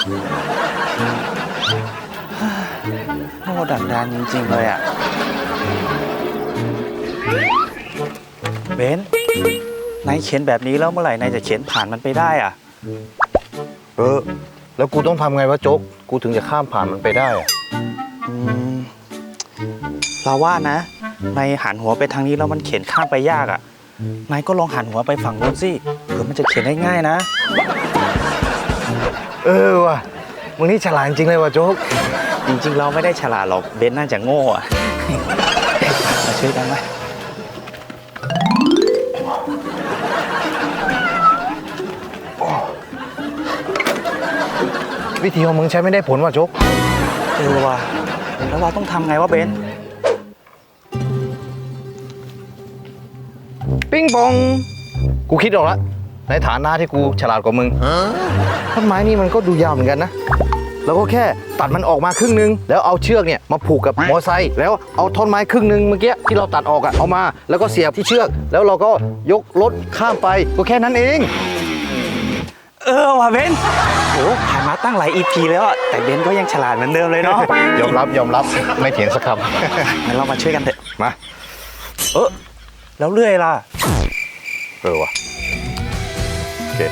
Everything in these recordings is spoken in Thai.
โง่ดักดานจริงๆเลยอ่ะเบนนายเขียนแบบนี้แล้วเมื่อไหร่นายจะเขียนผ่านมันไปได้อ่ะแล้วกูต้องทำไงวะโจ๊กกูถึงจะข้ามผ่านมันไปได้อะเราว่านะนายหันหัวไปทางนี้แล้วมันเขียนข้ามไปยากอ่ะนายก็ลองหันหัวไปฝั่งนู้นสิเผื่อมันจะเขียนได้ง่ายนะว่ะมึงนี่ฉลาดจริงเลยวะโจ๊กจริงๆเราไม่ได้ฉลาดหรอกเบนน่าจะโง่อะ มาช่วยกันไหมวิธีของมึงใช้ไม่ได้ผลว่ะโจ๊กว่ะแล้วเราต้องทำไงวะเบนปิ้งปองกูคิดออกแล้วในฐานะที่กูฉลาดกว่ามึงต้นไม้นี่มันก็ดูยาวเหมือนกันนะแล้วก็แค่ตัดมันออกมาครึ่งนึงแล้วเอาเชือกเนี่ยมาผูกกับมอไซค์แล้วเอาท่อนไม้ครึ่งนึงเมื่อกี้ที่เราตัดออกอะเอามาแล้วก็เสียบที่เชือกแล้วเราก็ยกรถข้ามไปก็แค่นั้นเองว่ะเบนโอ้ผ่านมาตั้งหลาย EP แล้วอะแต่เบนก็ยังฉลาดเหมือนเดิมเลยเนาะยอมรับไม่เถียงสักคงั้นเรามาช่วยกันเถอะำมาแล้วเลื่อยล่ะว่ะโอเค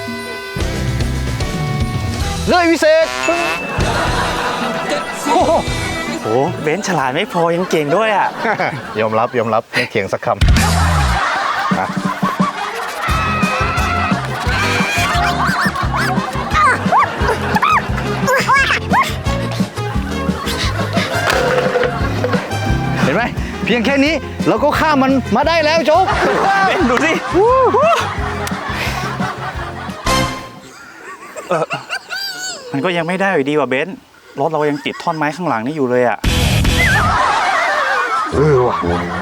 เลื่อยวิเศษโอ้โหเบนฉลาดไม่พอยังเก่งด้วยอะยอมรับไม่เถียงสักคำมาเห็นไหมเพียงแค่นี้เราก็ข้ามมันมาได้แล้วโจ๊กเบนดูสิมันก็ยังไม่ได้อยู่ดีว่ะเบนรถเรายังติดท่อนไม้ข้างหลังนี่อยู่เลยอะว่ะ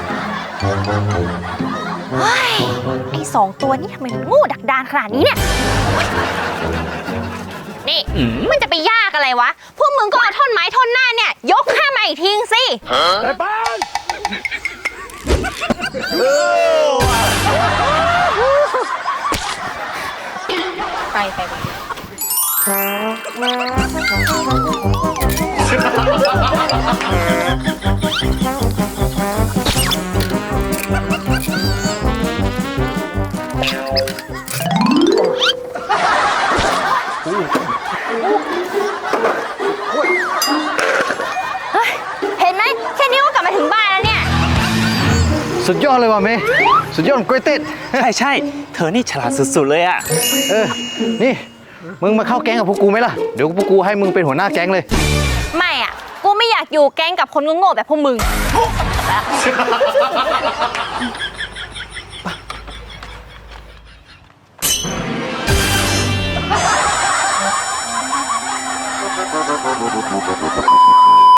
เฮ้ยไอ้2 ตัวนี่ทำไมมันโง่ดักดานขนาดนี้เนี่ย นี่มันจะไปยากอะไรวะ พวกมึงก็เอาท่อนไม้ท่อนหน้าเนี่ยยกข้ามมาอีกทีสิไปเห็นไหมแค่นี้ก็กลับมาถึงบ้านแล้วเนี่ยสุดยอดเลยว่ะเมย์สุดยอดเกรเต็ดใช่เธอนี่ฉลาดสุดๆเลยอะนี่มึงมาเข้าแก๊งกับพวกกูไหมล่ะเดี๋ยวพวกกูให้มึงเป็นหัวหน้าแก๊งเลยไม่อ่ะ กูไม่อยากอยู่แก๊งกับคนโง่ๆแบบพวกมึง